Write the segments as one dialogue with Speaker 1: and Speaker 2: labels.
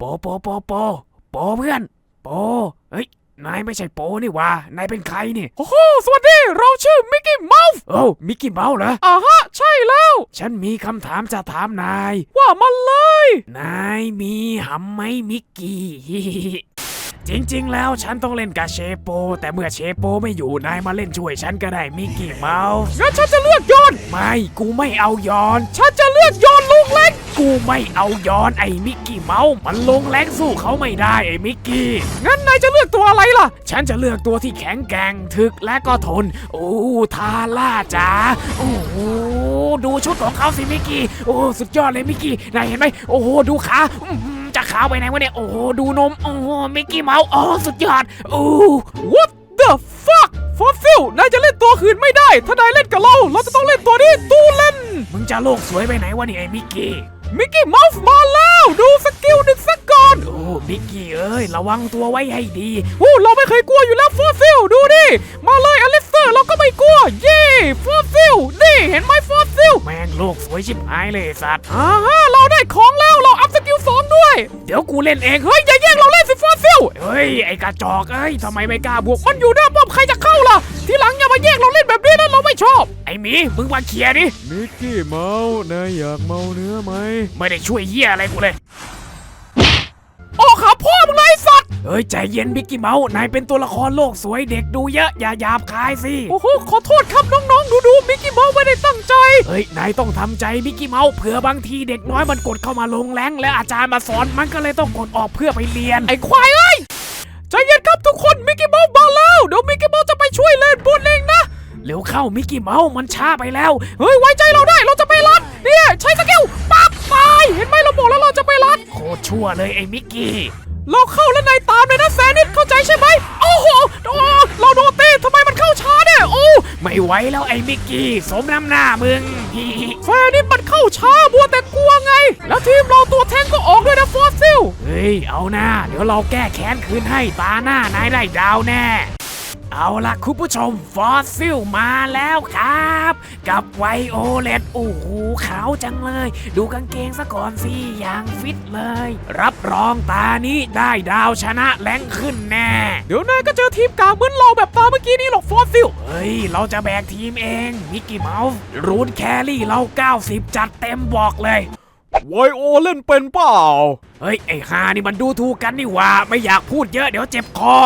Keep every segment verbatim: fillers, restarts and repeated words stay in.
Speaker 1: โปโปโปโปเพื่อนโปเฮ้ยนายไม่ใช่โปนี่วะนายเป็นใครนี่
Speaker 2: โอ้โหสวัสดีเราชื่อมิกกี้เมาส์
Speaker 1: โอ้มิกกี้เมาส์เหรอ
Speaker 2: อ่าฮะใช่แล้ว
Speaker 1: ฉันมีคำถามจะถามนาย
Speaker 2: ว่ามาเลย
Speaker 1: นายมีหำไหมมิกกี้ จริงๆแล้วฉันต้องเล่นกับเชโปแต่เมื่อเชโปไม่อยู่นายมาเล่นช่วยฉันก็ได้มิกกี้เมาส์
Speaker 2: งั้นฉันจะเลือกยอน
Speaker 1: ไม่กูไม่เอายอน
Speaker 2: ฉันจะเลือกยอนลงแรง
Speaker 1: กูไม่เอายอนไอ้มิกกี้เมาส์มันลงแรงสู้เขาไม่ได้ไอ้มิกกี้
Speaker 2: งั้นนายจะเลือกตัวอะไรล่ะ
Speaker 1: ฉันจะเลือกตัวที่แข็งแกร่งถึกและก็ทนโอ้ทาร่าจ๋าโอ้โหดูชุดของเขาสิมิกกี้โอ้สุดยอดเลยมิกกี้นายเห็นไหมโอ้โหดูขาจะขาวไปไหนวะเนี่ยโอ้โหดูนมโอ้โหมิกกี้เมาส์โอ้สุดยอดโอ้
Speaker 2: What the fuck ฟอสซิลนายจะเล่นตัวอื่นไม่ได้ถ้านายเล่นกับเราเราจะต้องเล่นตัวนี้ตูเล่น
Speaker 1: มึงจะโลกสวยไปไหนวะเนี่ยไอ้มิกกี้
Speaker 2: มิกกี้เมาส์มาแล้วดูสกิลหนึ่งสักก่อน
Speaker 1: โอ้มิกกี้เอ้ยระวังตัวไว้ให้ดี
Speaker 2: โอ้เราไม่เคยกลัวอยู่แล้วฟอสซิลดูดิมาเลยอลิสเตอร์เราก็ไม่กลัวเย่ฟอสซิลนี่เห็นไหมฟอสซิล
Speaker 1: แม่งโลกสวยชิบหายเลยสัตว์
Speaker 2: อ่าฮะเราได้ของแล้วเราอัพสกิลสองด้วย
Speaker 1: เดี๋ยวกูเล่นเอง
Speaker 2: เฮ้ยอย่าแย่งเราเล่นสิฟอสซิล
Speaker 1: เฮ้ยไอ้กระจอกเอ้ยทำไมไม่กล้าบวก
Speaker 2: มันอยู่หน้าป้อมใครจะเข้าล่ะทีหลังอย่ามาแย่งเราเล่นแบบนี้นะเราไม่ชอบ
Speaker 1: ไอ้หมีมึงมาเคลียร์ดิ
Speaker 2: มิกกี้เมาส์นายอยากเมาเนื้อไหม
Speaker 1: ไม่ได้ช่วยเหี้ยอะไรกูเลย
Speaker 2: โอ้ขาพ่อมึงเลยสัตว์
Speaker 1: เฮ้ยใจเย็นมิกกี้เมาส์นายเป็นตัวละครโลกสวยเด็กดูเยอะอย่าหยาบคายสิ
Speaker 2: โอ้โหขอโทษครับน้องๆดูดูมิกกี้เมาส์ไม่ได้ตั้งใจ
Speaker 1: เฮ้ยนายต้องทำใจมิกกี้เมาส์เผื่อบางทีเด็กน้อยมันกดเข้ามาลงแรงและอาจารย์มาสอนมันก็เลยต้องกดออกเพื่อไปเรียน
Speaker 2: ไอ้ควายเอ้ยใจเย็นครับทุกคนมิกกี้เมาส์มาแล้วเดี๋ยวมิกกี้เมาส์จะไปช่วยเล่นบนเองนะ
Speaker 1: เร็วเข้ามิกกี้เมาส์มันช้าไปแล้ว
Speaker 2: เฮ้ยไว้ใจเราได้เราจะไปรัดเนี่ยใช้สกิลปั๊บตายเห็นไหมเราบอกแล้วเราจะไปรัด
Speaker 1: โคตรชั่วเลยไอ้มิกกี้
Speaker 2: เราเข้าแล้วนายตามเลยนะแซนิดเข้าใจใช่ไหมโอ้โหเราโดนตีทำไมมันเข้าช้าเนี่ยโอ้
Speaker 1: ไม่ไหวแล้วไอ้มิกกี้สมน้ำหน้ามึง
Speaker 2: แซนิดมันเข้าช้าบัวแต่กลัวไงแล้วทีมเราตัวแทงก็ออกด้วยนะฟอสซิล
Speaker 1: เฮ้ยเอาหน้าเดี๋ยวเราแก้แค้นคืนให้ตาหน้านายได้ดาวแน่เอาล่ะคุณผู้ชมฟอสซิลมาแล้วครับกับไวโอเลตโอ้โหขาวจังเลยดูกางเกงซะก่อนสิอย่างฟิตเลยรับรองตานี้ได้ดาวชนะแรงขึ้นแน่
Speaker 2: เดี๋ยวนายก็เจอทีมกลางเหมือนเราแบบตาเมื่อกี้นี้หรอกฟอสซิล
Speaker 1: เฮ้ยเราจะแบกทีมเองมิกกี้เมาส์รูนแครี่เราเก้าสิบจัดเต็มบอกเลย
Speaker 2: ไวโอเล่นเป็นเปล่า
Speaker 1: เฮ้ยไอ้ฮานี่มันดูถูกกันนี่ว่าไม่อยากพูดเยอะเดี๋ยวเจ็บคอ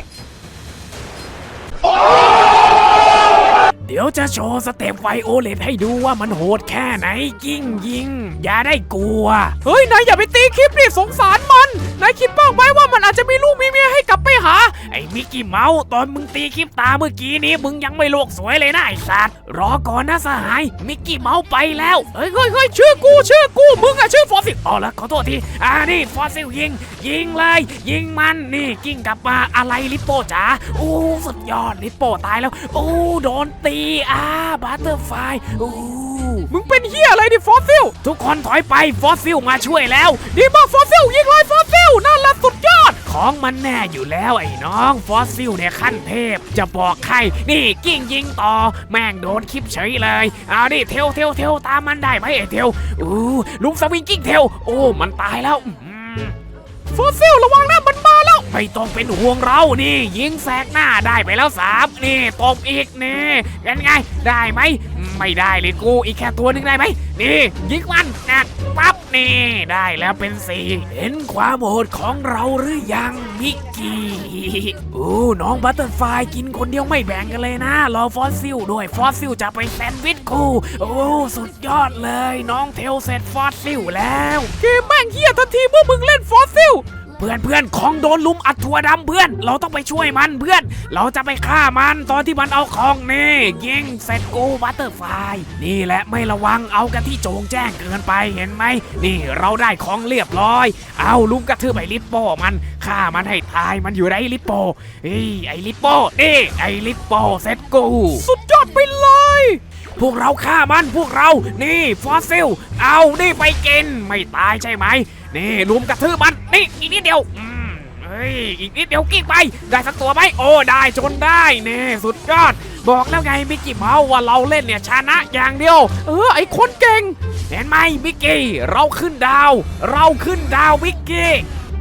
Speaker 1: เดี๋ยวจะโชว์สเต็ปไวโอเลตให้ดูว่ามันโหดแค่ไหนยิงยิงอย่าได้กลัว
Speaker 2: เฮ้ยนายอย่าไปตีคลิปดิสงสารมันนายคิดบ้างไหมว่ามันอาจจะมีลูกมีเมียให้กลับไปหา
Speaker 1: ไอ้มิกกี้เมาส์ตอนมึงตีคลิปตาเมื่อกี้นี้มึงยังไม่โลกสวยเลยนะไอ้สัตว์รอก่อนนะสหายมิกกี้เมาส์ไปแล้ว
Speaker 2: เฮ้ยเฮ้ยเฮ้ยชื่อกูชื่อกูมึงอะชื่อฟอสซิล
Speaker 1: อ๋อแล้วขอโทษทีอ่านี่ฟอสซิลยิงยิงเลยยิงมันนี่กิ้งกลับมาอะไรลิปโป้จ๋าโอ้สุดยอดลิปโป้ตายแล้วโอ้โดนตีอ่าบัตเตอร์ไฟโอ้
Speaker 2: มึงเป็นเหี้ยอะไรดิฟอสซิล
Speaker 1: ทุกคนถอยไปฟอสซิลมาช่วยแล้ว
Speaker 2: ดีมากฟอสซิลยิงเลยฟอสซิลนั่นแหละสุดยอด
Speaker 1: ของมันแน่อยู่แล้วไอ้น้องฟอสซิลเนี่ยขั้นเทพจะบอกใครนี่กิ้งยิงต่อแม่งโดนคลิปเฉยเลยเอาดิเทลเทลเทลตามมันได้ไหมไอ้เทลอู้ลุงสวิงกิ้งเทลโอ้มันตายแล้ว
Speaker 2: ฟอสซิลระวังนะมันมาแล้ว
Speaker 1: ไม่ต้องเป็นห่วงเรานี่ยิงแสกหน้าได้ไปแล้วสามนี่ตบอีกนี่ยังไงได้ไหมไม่ได้เลยกูอีกแค่ตัวนึงได้ไหมนี่ยิงมันนะปั๊บนี่ได้แล้วเป็นสี่เห็นความโหดของเราหรือยังมิกกี้โอ้น้องบัตเตอร์ไฟกินคนเดียวไม่แบ่งกันเลยนะรอฟอสซิลด้วยฟอสซิลจะไปแซนด์วิชกูโอ้สุดยอดเลยน้องเทลเสร็จฟอสซิลแล้ว
Speaker 2: เกมแม่งเฮียทันทีเมื่อมึงเล่นฟอสซิล
Speaker 1: เพื่อนเพื่อนของโดนลุมอัดถั่วดำเพื่อนเราต้องไปช่วยมันเพื่อนเราจะไปฆ่ามันตอนที่มันเอาของนี่ยิงเสร็จกูบัตเตอร์ไฟนี่แหละไม่ระวังเอากันที่โจงแจ้งเกินไปเห็นไหมนี่เราได้ของเรียบร้อยเอาลุมกระทืบไอ้ลิปโป้มันฆ่ามันให้ตายมันอยู่ในลิปโป้เฮ้ยไอ้ลิปโป้นี่ไอ้ลิปโป้เสร็จกู
Speaker 2: สุดยอดไปเลย
Speaker 1: พวกเราฆ่ามันพวกเรานี่ฟอสซิลเอานี่ไปกินไม่ตายใช่ไหมนี่ลุมกระทืบมันนี่อีกนิดเดียวอืมเฮ้ยอีกนิดเดียวกิ้งไปได้สักตัวไหมโอ้ได้จนได้นี่สุดยอดบอกแล้วไงมิกกี้เมาส์ว่าเราเล่นเนี่ยชนะอย่างเดียว
Speaker 2: เออไอคนเก่ง
Speaker 1: เห็นไหมมิกกี้เราขึ้นดาวเราขึ้นดาวมิกกี้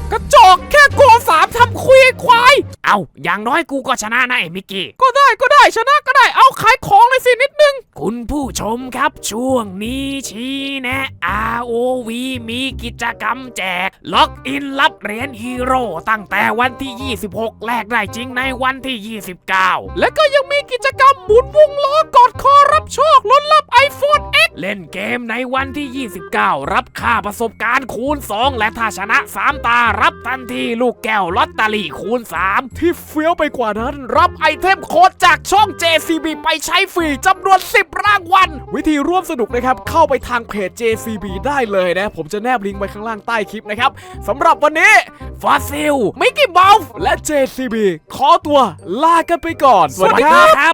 Speaker 2: กระจอกแค่โกสามทำคุยควาย
Speaker 1: เอาอย่างน้อยกูก็ชนะนะไอ้มิกกี้
Speaker 2: ก็ได้ก็ได้ชนะก็ได้เอาขายของเลยสินิดนึง
Speaker 1: คุณผู้ชมครับช่วงนี้ชี้แนะ อาร์ โอ วี มีกิจกรรมแจก ล็อกอินรับเหรียญฮีโร่ตั้งแต่วันที่ ยี่สิบหก แลกได้จริงในวันที่ ยี่สิบเก้า
Speaker 2: และก็ยังมีกิจกรรมหมุนวงล้อกอดคอรับโชคลุ้นรับ iPhone เอ็กซ์
Speaker 1: เล่นเกมในวันที่ ยี่สิบเก้า รับค่าประสบการณ์คูณ สอง และถ้าชนะ สาม ตารับทันทีลูกแก้วลอตเตอรี่คูณ สาม
Speaker 2: ที่เฟี้ยวไปกว่านั้นรับไอเทมโค้ดจากช่อง เจ ซี บี ไปใช้ฟรีจำนวน สิบ รางวัลวิธีร่วมสนุกนะครับเข้าไปทางเพจ เจ ซี บี ได้เลยนะผมจะแนบลิงก์ไว้ข้างล่างใต้คลิปนะครับสำหรับวันนี้
Speaker 1: ฟอสซิล
Speaker 2: มิกกี้เมาส์และ เจ ซี บี ขอตัวลากันไปก่อน
Speaker 1: สวัสดีครับ